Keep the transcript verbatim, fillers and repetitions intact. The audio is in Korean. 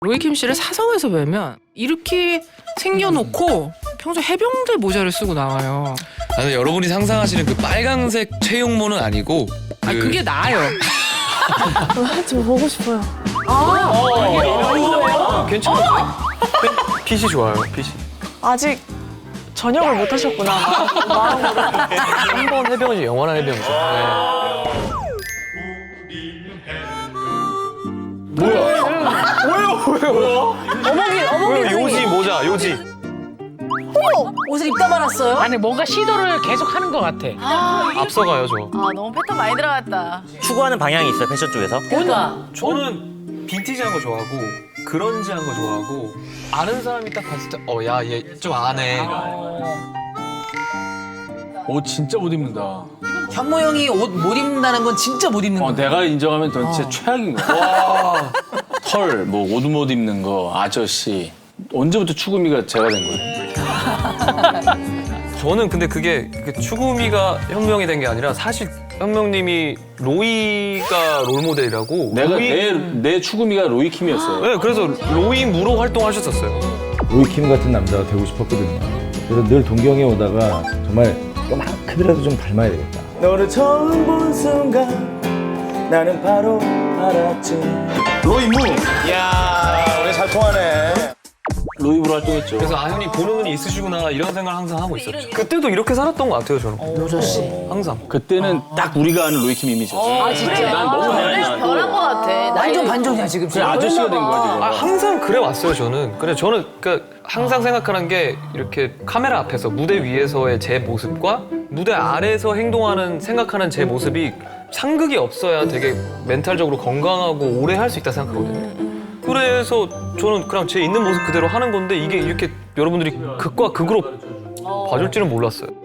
로이킴 씨를 사성에서 뵈면 이렇게 생겨놓고 평소 해병대 모자를 쓰고 나와요. 아, 근데 여러분이 상상하시는 그 빨간색 채용모는 아니고 그... 아 그게 나아요. 저 보고 싶어요. 괜찮은데? 핏이 좋아요, 핏이. 아직 전역을 못 하셨구나. 마음으로. 한 번 해병이지, 영원한 해병이죠. 네. 뭐야? 뭐야, 뭐야? 어머니, 어머니. 요지 모자, 요지. 옷을 입다 말았어요? 아니 뭔가 시도를 계속 하는 것 같아. 앞서가요, 저. 아 너무 패턴 많이 들어갔다. 추구하는 방향이 있어요, 패션 쪽에서? 그러니까 저는 빈티지한 거 좋아하고 그런지한 거 좋아하고 아는 사람이 딱 봤을 때 어, 야, 얘 좀 아네. 옷 진짜 못 입는다. 현모 형이 옷 못 입는다는 건 진짜 못 입는 어, 거야. 내가 인정하면 넌 진짜 최악인 거야. 털, 뭐 옷 못 입는 거, 아저씨. 언제부터 추구미가 제가 된 거예요? 저는 근데 그게 그 추구미가 현명이 된 게 아니라 사실 현명님이 로이가 롤모델이라고. 내가 로이... 내, 내 추구미가 로이킴이었어요. 네, 그래서 로이 무로 활동하셨었어요. 로이킴 같은 남자가 되고 싶었거든요. 그래서 늘 동경에 오다가 정말 요만큼이라도 좀 닮아야 되겠다. 너를 처음 본 순간 나는 바로 알았지. 로이무. 이야, 우리 잘 통하네. 로이브로 활동했죠. 그래서 아, 형님 보는 눈이 있으시구나 이런 생각을 항상 하고 있었죠. 그때도 이렇게 살았던 것 같아요, 저는. 노저씨. 항상. 그때는 딱 우리가 아는 로이킴 이미지였어. 아 진짜? 난 너무 변한 변한 것 같아. 완전 반전이야 지금. 그냥 아저씨가 된 거야, 지금. 아, 항상 그래 왔어요, 저는. 그래 저는 그러니까 항상 생각하는 게 이렇게 카메라 앞에서 무대 위에서의 제 모습과 무대 아래에서 행동하는 생각하는 제 모습이 상극이 없어야 되게 멘탈적으로 건강하고 오래 할 수 있다 생각하거든요. 그래서 저는 그냥 제 있는 모습 그대로 하는 건데 이게 이렇게 여러분들이 극과 극으로 봐줄지는 몰랐어요.